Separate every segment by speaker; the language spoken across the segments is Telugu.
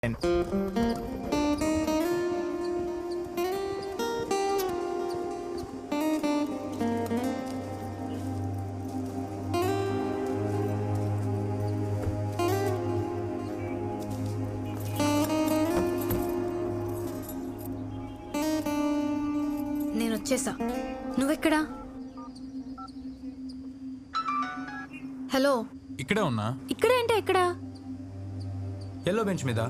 Speaker 1: నేను వచ్చేసా. నువ్వెక్కడా? హలో,
Speaker 2: ఇక్కడే ఉన్నా.
Speaker 1: ఇక్కడే అంటే ఎక్కడా?
Speaker 2: ఎల్లో బెంచ్ మీద.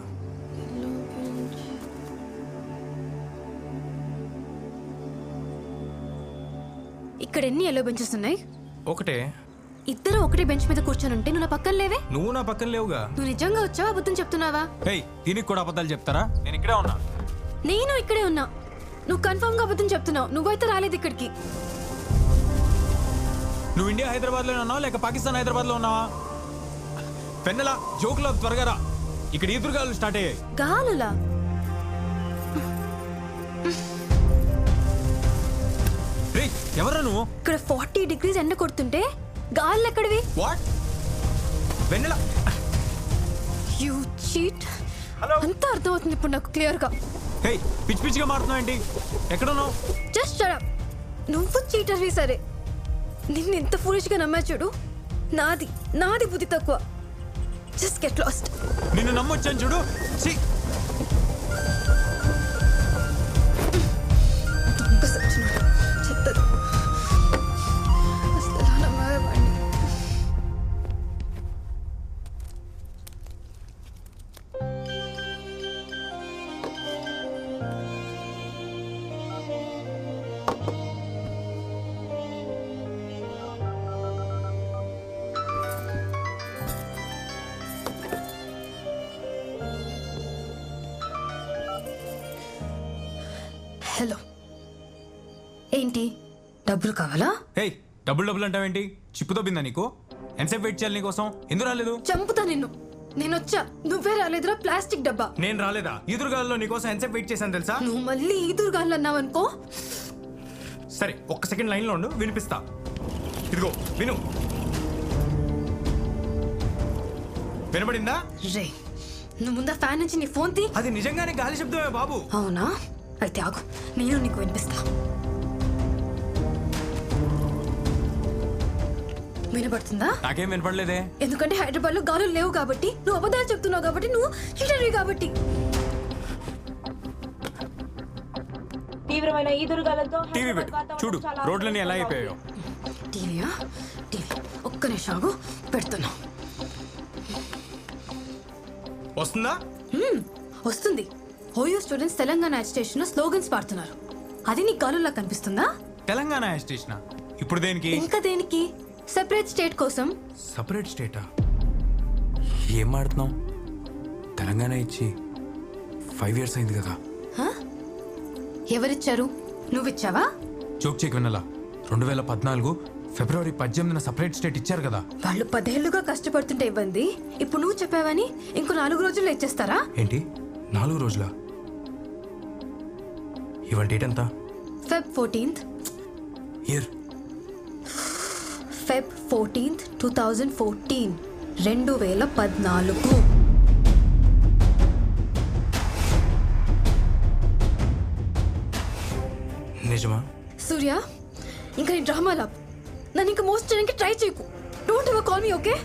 Speaker 1: ఇక్కడ ఎన్ని ఎల్లో బెంచెస్ ఉన్నాయి?
Speaker 2: ఒకటే.
Speaker 1: ఇద్దరు ఒకటే బెంచ్ మీద కూర్చొని ఉంటే నువ్వు నా పక్కన లేవే.
Speaker 2: నువ్వు నా పక్కన లేవుగా.
Speaker 1: నువ్వు నిజంగా వచ్చావా, అబద్ధం చెప్తున్నావా?
Speaker 2: దీనికి కూడా అబద్ధాలు చెప్తారా? నేను ఇక్కడే ఉన్నా.
Speaker 1: నేను ఇక్కడే ఉన్నా. నువ్వు కన్ఫర్మ్ గా అబద్ధం చెప్తున్నావు. నువ్వైతే రాలేదు ఇక్కడికి.
Speaker 2: నువ్వు ఇండియా హైదరాబాద్ లో ఉన్నావా లేక పాకిస్తాన్ హైదరాబాద్ లో ఉన్నావా? పెన్నెలా జోకులో త్వరగా రా. ఇక్కడ ఈదురుగాలు స్టార్ట్ అయ్యాయి.
Speaker 1: గాలులా?
Speaker 2: ఎవరా నువ్వు?
Speaker 1: ఇక్కడ 40 degrees ఎండ కొడుతుంటే గాలు ఎక్కడివి?
Speaker 2: వాట్? Vennela,
Speaker 1: you cheat. అంతా అర్థమవుతుంది ఇప్పుడు నాకు క్లియర్ గా.
Speaker 2: పిచ్చి పిచ్చిగా మారుతున్నావు ఏంటి? ఎక్కడున్నావు?
Speaker 1: Just shut up. నువ్వు చీటర్వి సరే. నిన్ను ఎంత ఫూలిష్ గా నమ్మా చూడు. నాది బుద్ధి తక్కువ. Just get lost.
Speaker 2: నిన్ను నమ్మొచ్చాను చూడు.
Speaker 1: దొంగ సచ్చినాడు. చెత్తది. అసలు ఎలా నమ్మావే వాడిని? హలో, ఏంటి డబ్బులు కావాలా?
Speaker 2: డబ్బులు అంటావేంటి? చిప్పుతో బిందా నీకు? ఎంతసేపు వెయిట్ చేయాలి నీకోసం? ఎందుకు రాలేదు?
Speaker 1: చంపుతా నిన్ను. నేనొచ్చా, నువ్వే రాలేదురా ప్లాస్టిక్ డబ్బా.
Speaker 2: నేను రాలేదా? ఈదురుగాల్లో నీకోసం ఎంతసేపు వెయిట్ చేశాను తెలుసా?
Speaker 1: నువ్వు మళ్ళీ ఈదురుగాళ్ళు అన్నావనుకో.
Speaker 2: సరే, ఒక్క సెకండ్ లైన్లో ఉండు, వినిపిస్తా. ఇదిగో విను. వినబడిందా?
Speaker 1: రే, నువ్వు ముందా ఫ్యాన్ నుంచి నీ ఫోన్ తీ.
Speaker 2: అది నిజంగానే గాలి శబ్దమే బాబు.
Speaker 1: అవునా? అయితే ఆగు, నేను నీకు వినిపిస్తా. వినపడుతుందా?
Speaker 2: నాకేం వినపడలేదే.
Speaker 1: ఎందుకంటే హైదరాబాద్ లో గాలులు లేవు కాబట్టి, నువ్వు అబద్ధాలు చెప్తున్నావు కాబట్టి, నువ్వు చీటర్వి కాబట్టి.
Speaker 3: తీవ్రమైన ఈదురుగాలతో
Speaker 2: టీవీ పెట్టు, చూడు రోడ్లన్నీ ఎలా అయిపోయాయో.
Speaker 1: టీవీయా? టీవీ ఒక్క నిమిషం ఆగు, పెడుతున్నా.
Speaker 2: వస్తుందా?
Speaker 1: వస్తుంది. ఓయో స్టూడెంట్స్ తెలంగాణ అజిటేషన్ లో స్లోగన్స్ పాడుతున్నారు. అది నీకు గాలుల్లా కనిపిస్తుందా?
Speaker 2: తెలంగాణ స్టేషన్ ఇప్పుడు దేనికి?
Speaker 1: ఇంకా దేనికి? సెపరేట్ స్టేట్ కోసం.
Speaker 2: సపరేట్ స్టేటా? ఏం మాడుతున్నావు? తెలంగాణ ఇచ్చి 5 years అయింది కదా.
Speaker 1: ఎవరిచ్చారు? నువ్విచ్చావా?
Speaker 2: జోక్ చేకి వినలా. 2014 February 18న సపరేట్ స్టేట్ ఇచ్చారు కదా.
Speaker 1: వాళ్ళు 10 ఏళ్లుగా కష్టపడుతుంటే ఇవ్వండి. ఇప్పుడు నువ్వు చెప్పావని ఇంకో 4 రోజుల్లో ఇచ్చేస్తారా?
Speaker 2: ఏంటి 4 రోజులా? ఇవాళ డేట్ ఎంత?
Speaker 1: Feb 14th.
Speaker 2: Year?
Speaker 1: Feb 14th, 2014. 2014.
Speaker 2: నిజమా?
Speaker 1: సూర్య, ఇంకా నీ డ్రామా లాప్. నన్ను ఇంకా మోసం చేయడానికి ట్రై చేయకు. Don't ever call me, okay?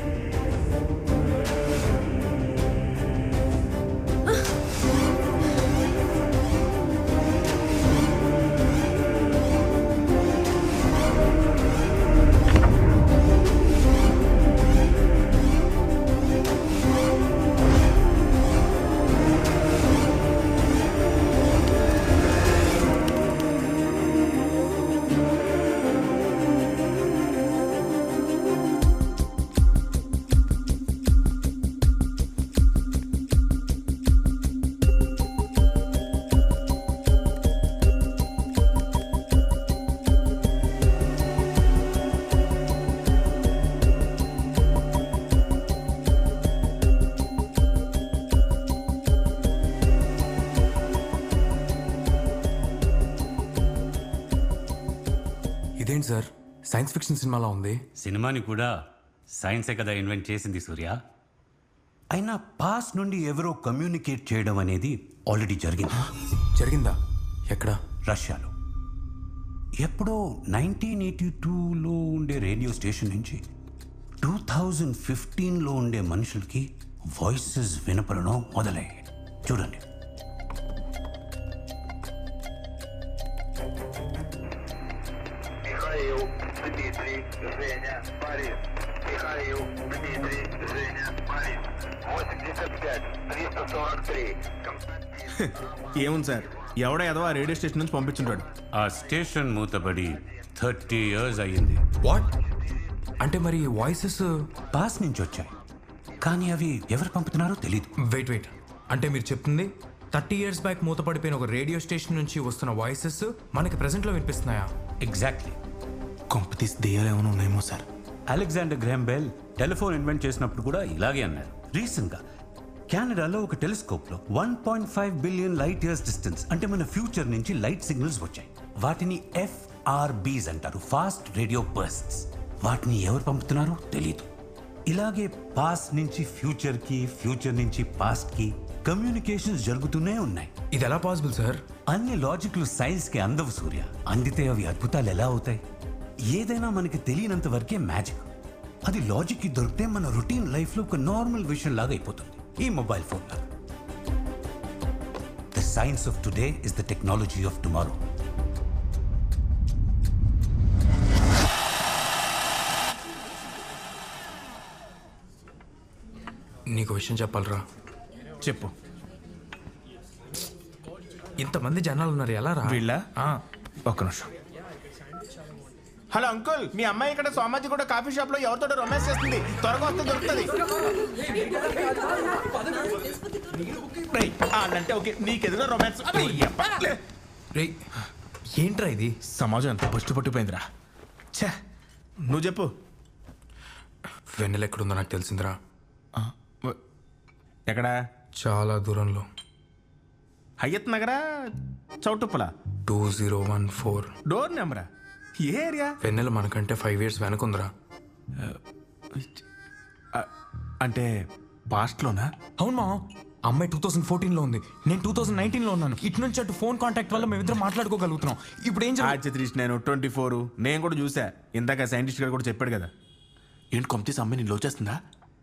Speaker 2: ఇదేంటి సార్, సైన్స్ ఫిక్షన్ సినిమాలా ఉంది.
Speaker 4: సినిమాని కూడా సైన్సే కదా ఇన్వెంట్ చేసింది సూర్య.
Speaker 3: అయినా పాస్ నుండి ఎవరో కమ్యూనికేట్ చేయడం అనేది ఆల్రెడీ జరిగింది.
Speaker 4: జరిగిందా? ఎక్కడ?
Speaker 3: రష్యాలో. ఎప్పుడో 1982లో ఉండే రేడియో స్టేషన్ నుంచి 2015లో ఉండే మనుషులకి వాయిసెస్ వినపడడం మొదలయ్యాయి. చూడండి.
Speaker 5: Михаил, Дмитрий, Женя, Борис. Михаил, Дмитрий, Женя, Борис. 85, 343. Константин.
Speaker 6: ఏముంది సార్, ఎవడో ఏదో ఆ రేడియో స్టేషన్ నుంచి పంపించుంటాడు.
Speaker 3: ఆ స్టేషన్ మూతబడి 30 years అయ్యింది.
Speaker 4: వాట్? అంటే మరి వాయిసెస్
Speaker 3: పాస్ నుంచి వచ్చాయి, కానీ అవి ఎవరు పంపుతున్నారో తెలీదు.
Speaker 4: వెయిట్ అంటే మీరు చెప్తుంది 30 years బ్యాక్ మూతపడిపోయిన ఒక రేడియో స్టేషన్ నుంచి వస్తున్న వాయిసెస్ మనకి ప్రెసెంట్లో వినిపిస్తున్నాయా?
Speaker 3: ఎగ్జాక్ట్లీ.
Speaker 6: కొంపతీసి దెయ్యాలు ఏమైనా ఉన్నాయేమో సార్.
Speaker 3: Alexander Graham Bell telephone invent చేసినప్పుడు కూడా ఇలాగే అన్నారు. రీసెంట్గా కెనడాలో ఒక టెలిస్కోప్లో 1.5 బిలియన్ లైట్ ఇయర్స్ డిస్టెన్స్, అంటే మన ఫ్యూచర్ నుంచి లైట్ సిగ్నల్స్ వచ్చాయి. వాటిని FRBs అంటారు, ఫాస్ట్ రేడియో బర్స్ట్స్. వాటిని ఎవరు పంపుతున్నారో తెలీదు. ఇలాగే పాస్ట్ నుంచి ఫ్యూచర్కి, ఫ్యూచర్ నుంచి పాస్ట్కి కమ్యూనికేషన్స్ జరుగుతూనే ఉన్నాయి.
Speaker 4: ఇది ఎలా పాసిబుల్ సార్?
Speaker 3: అన్ని లాజిక్లు సైన్స్కి అందవు సూర్య. అందితే అవి అద్భుతాలు ఎలా అవుతాయి? ఏదైనా మనకి తెలియనంత వరకే మ్యాజిక్. అది లాజిక్కి దొరికితే మన రొటీన్ లైఫ్లో ఒక నార్మల్ విషయం లాగా అయిపోతుంది. ఈ మొబైల్ ఫోన్ లాగా. The science of today is the technology of tomorrow.
Speaker 4: నీకు విషయం చెప్పాలరా.
Speaker 6: చెప్పు.
Speaker 4: ఇంతమంది జనాలు ఉన్నారు, ఎలా రా?
Speaker 6: వీళ్ళ ఒక్క నిమిషం. హలో అంకుల్, మీ అమ్మాయి ఇక్కడ సోమాజి కూడా కాఫీ షాప్ లో ఎవరితో రొమాన్స్ చేస్తుంది. త్వరగా వస్తే దొరుకుతుంది. అంటే ఓకే, నీకెదురు రొమాన్స్.
Speaker 4: రే ఏంట్రా ఇది?
Speaker 6: సమాజం ఎంత పట్టు పట్టిపోయిందిరా. ఛే, నువ్వు చెప్పు.
Speaker 4: వెన్నెల ఎక్కడుందో నాకు తెలిసిందిరా.
Speaker 6: ఎక్కడా?
Speaker 4: చాలా దూరంలో.
Speaker 6: హయ్యత్ నగరా, చౌటుప్పల?
Speaker 4: 2014.
Speaker 6: డోర్ నెంబరా? ఏ ఏరియా?
Speaker 4: వెన్నెల మనకంటే 5 years వెనకుందిరా.
Speaker 6: అంటే పాస్ట్లోనా?
Speaker 4: అవును మా అమ్మాయి 2014లో ఉంది, నేను 2019లో ఉన్నాను. ఇటు నుంచి అటు ఫోన్ కాంటాక్ట్ వల్ల మేమిద్దరం మాట్లాడుకోగలుగుతున్నాం. ఇప్పుడు ఏం
Speaker 6: ఆర్చిత్రీష్, నేను 24. నేను కూడా చూసా, ఇందాక సైంటిస్ట్ గారు కూడా చెప్పాడు కదా. ఏంటి కొంపతీసి అమ్మాయి నేను లవ్ చేస్తుందా?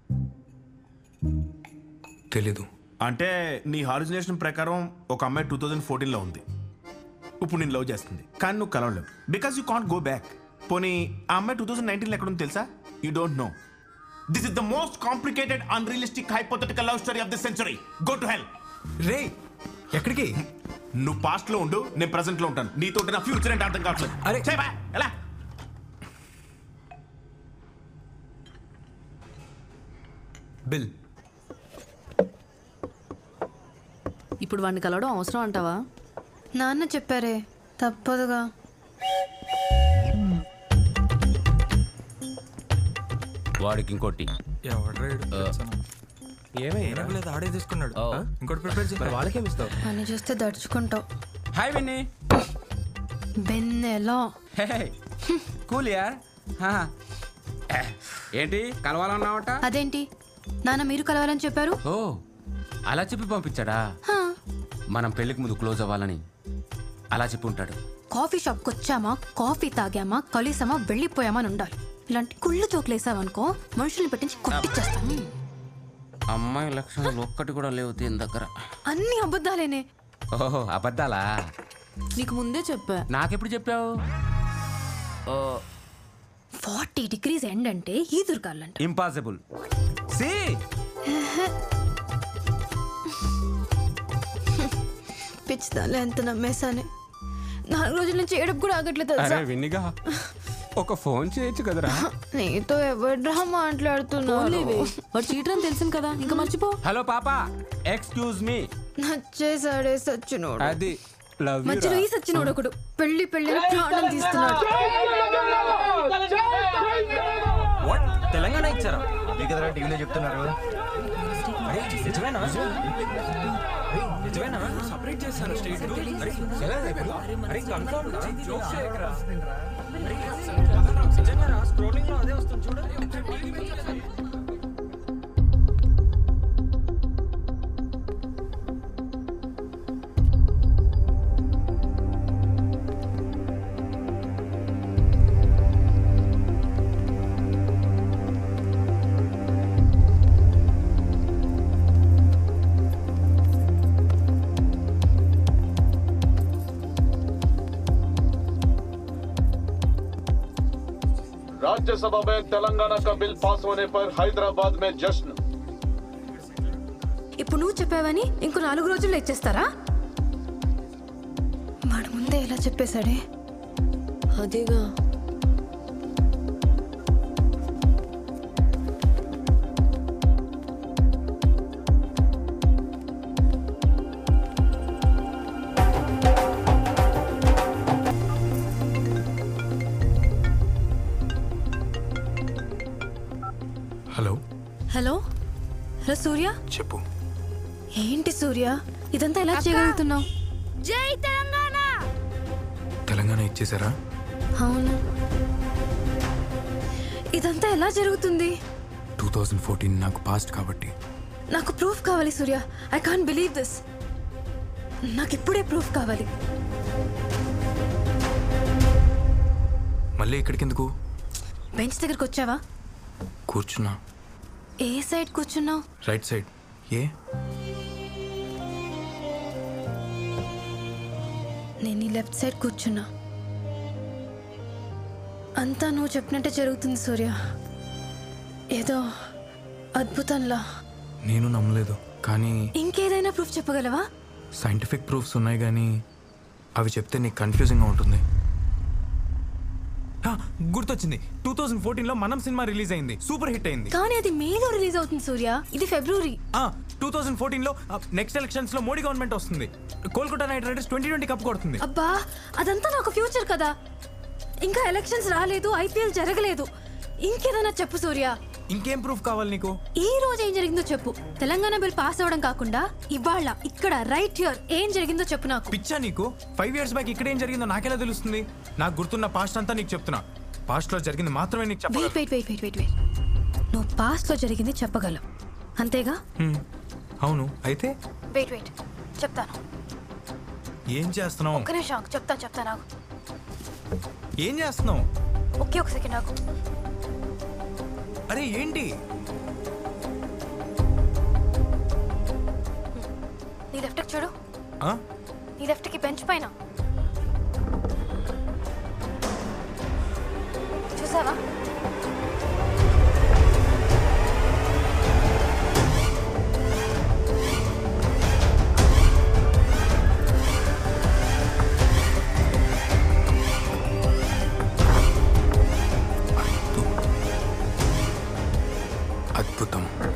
Speaker 4: తెలీదు.
Speaker 6: అంటే నీ హాలుజినేషన్ ప్రకారం ఒక అమ్మాయి 2014లో ఉంది, ఇప్పుడు నేను లవ్ చేస్తుంది, కానీ నువ్వు కలవలేవు because you can't go back. పోనీ ఆ అమ్మాయి 2019లో ఎక్కడ ఉంది తెలుసా? You don't know. This is the most complicated unrealistic hypothetical love story of the century. Go to hell.
Speaker 4: రే ఎక్కడికి?
Speaker 6: నువ్వు పాస్ట్ లో ఉండు, నేను ప్రెసెంట్ లో ఉంటాను. నీతో నా ఫ్యూచర్ అంటే అర్థం కావట్లేదు.
Speaker 4: అరే
Speaker 6: ఎలా?
Speaker 4: బిల్,
Speaker 7: ఇప్పుడు వాడిని కలవడం అవసరం అంటావా?
Speaker 1: నాన్న చెప్పారే, తప్పదుగా.
Speaker 8: వాడికి ఇంకోటి
Speaker 4: ఆడే తీసుకున్నాడు. ఇంకోటి ప్రిపేర్ చేసి
Speaker 8: వాళ్ళకేమి ఇస్తావు?
Speaker 1: అని చూస్తే దడుచుకుంటావు.
Speaker 8: హాయ్ విన్నీ.
Speaker 1: బెన్నెలో
Speaker 8: కూల్ యార్. ఏంటి కలవాలన్నావట?
Speaker 1: అదేంటి నాన్న మీరు కలవాలని చెప్పారు?
Speaker 8: ఓ అలా చెప్పి పంపించాడా? మనం పెళ్లికి ముందు క్లోజ్ అవ్వాలని అలా చెప్పి ఉంటాడు.
Speaker 1: కాఫీ షాప్కి వచ్చామా, కాఫీ తాగామా, కలిసామా, వెళ్ళిపోయామా అని ఉండాలి. ఇలాంటి కుళ్ళు చోకులేసావనుకో మనుషుల్ని పెట్టించి కొట్టిచ్చేస్తాను.
Speaker 8: అమ్మాయి లక్షణాలు ఒక్కటి కూడా లేవు దీని దగ్గర.
Speaker 1: అన్ని అబద్ధాలేనే.
Speaker 8: ఓహో అబద్ధాలా?
Speaker 7: నీకు ముందే చెప్పా.
Speaker 8: నాకెప్పుడు చెప్పావు?
Speaker 1: 40 degrees ఎండ్ అంటే ఈదురుగాలంట.
Speaker 8: ఇంపాసిబుల్. సి
Speaker 1: పిచ్చిదాలే ఎంత నమ్మేశానే. 4 రోజుల నుంచి ఏడుపు కూడా ఆగట్లేదు
Speaker 8: అరే
Speaker 1: తెలుసా?
Speaker 8: విన్నిగా ఒక ఫోన్ చేయొచ్చు కదరా.
Speaker 1: నీతో ఎవడ్రా మాట్లాడుతున్నావు?
Speaker 7: వాడు చీటర్ అని తెలిసింది కదా, ఇంకా మర్చిపో.
Speaker 8: హలో పాపా, ఎక్స్క్యూజ్ మీ.
Speaker 1: నచ్చేసాడే సచ్చినోడు.
Speaker 8: అది లవ్ యు.
Speaker 1: మధ్యలో ఈ సచ్చినోడు ఒకడు పెళ్లి ప్రాణం తీస్తున్నాడు.
Speaker 4: తెలంగాణ ఇచ్చారా? మీకు టీవీలో చెప్తున్నారు. సపరేట్ చేస్తారు స్టేట్.
Speaker 9: राज्यसभा में तेलंगाना का बिल पास होने पर हैदराबाद में जश्न।
Speaker 1: ఇప్పుడు నువ్వు చెప్పావని ఇంకో 4 రోజుల్లో ఇచ్చేస్తారా? వాడు ముందే ఎలా చెప్పేశాడే.
Speaker 7: అదేగా.
Speaker 4: Hello
Speaker 1: hello hello Surya.
Speaker 4: చెప్పు.
Speaker 1: ఏంటి సూర్య ఇదంతా ఎలా చేయగలుగుతున్నావు?
Speaker 10: జై తెలంగాణ.
Speaker 4: తెలంగాణ ఇచ్చేసారా?
Speaker 1: అవును. ఇదంతా ఎలా జరుగుతుంది?
Speaker 4: 2014 నాకు పాస్ట్ కాబట్టి.
Speaker 1: నాకు ప్రూఫ్ కావాలి Surya. I can't believe this. నాకు ఇప్పుడే ప్రూఫ్ కావాలి.
Speaker 4: మళ్ళీ ఇక్కడికి ఎందుకు?
Speaker 1: బెంచ్ దగ్గరకు వచ్చావా?
Speaker 4: కూర్చున్నా.
Speaker 1: ఏ సైడ్ కూర్చున్నావు?
Speaker 4: Right side. ఏ?
Speaker 1: నేను ఈ లెఫ్ట్ సైడ్ కూర్చున్నా. అంతా నువ్వు చెప్పినట్టే జరుగుతుంది సూర్య. ఏదో అద్భుతంలా.
Speaker 4: నేను నమ్మలేదు, కానీ
Speaker 1: ఇంకేదైనా ప్రూఫ్ చెప్పగలవా?
Speaker 4: సైంటిఫిక్ ప్రూఫ్స్ ఉన్నాయి, కానీ అవి చెప్తే నీకు కన్ఫ్యూజింగ్గా ఉంటుంది. గుర్తొచ్చింది, 2014లో మనం సినిమా రిలీజ్ అయింది, సూపర్ హిట్ అయింది.
Speaker 1: కానీ అది మేలో రిలీజ్ అవుతుంది సూర్య. ఇది ఫిబ్రవరి.
Speaker 4: 2014లో నెక్స్ట్ ఎలక్షన్స్ లో మోడీ గవర్నమెంట్ వస్తుంది. కోల్కతా నైట్ రైడర్స్ 2020 కప్ కొడుతుంది.
Speaker 1: అబ్బా అదంతా నాకు ఫ్యూచర్ కదా. ఇంకా ఎలక్షన్స్ రాలేదు, ఐపీఎల్ జరగలేదు. ఇంకేదైనా చెప్పు సూర్య.
Speaker 4: ఇంకేం ప్రూఫ్ కావాలి నీకు?
Speaker 1: ఈ రోజు ఏం జరిగిందో చెప్పు. తెలంగాణ బిల్ పాస్ అవ్వడం కాకుండా ఇవాళ ఇక్కడ రైట్ హియర్ ఏం జరిగిందో చెప్పు నాకు.
Speaker 4: పిచ్చా నీకు? 5 years బ్యాక్ ఇక్కడ ఏం జరిగిందో నాకెలా తెలుస్తుంది? నాకు గుర్తున్న పాస్ట్ అంతా నీకు చెప్తున్నా. పాస్ట్ లో జరిగింది మాత్రమే నీకు చెప్పగలను.
Speaker 1: వెయిట్. నువ్వు పాస్ట్ లో జరిగింది చెప్పగలవు అంతేగా?
Speaker 4: అవును. అయితే
Speaker 1: వెయిట్ చెప్తాను.
Speaker 4: ఏం చేస్తున్నావు?
Speaker 1: ఒక్క నిమిషం చెప్తాను.
Speaker 4: ఏం చేస్తున్నావు?
Speaker 1: ఒక సెకండ్ నాకు.
Speaker 4: అరే ఏంటి?
Speaker 1: నీ లెఫ్ట్ చూడు. నీ లెఫ్ట్ కి బెంచ్ పైన చూసావా?
Speaker 4: అద్భుతం.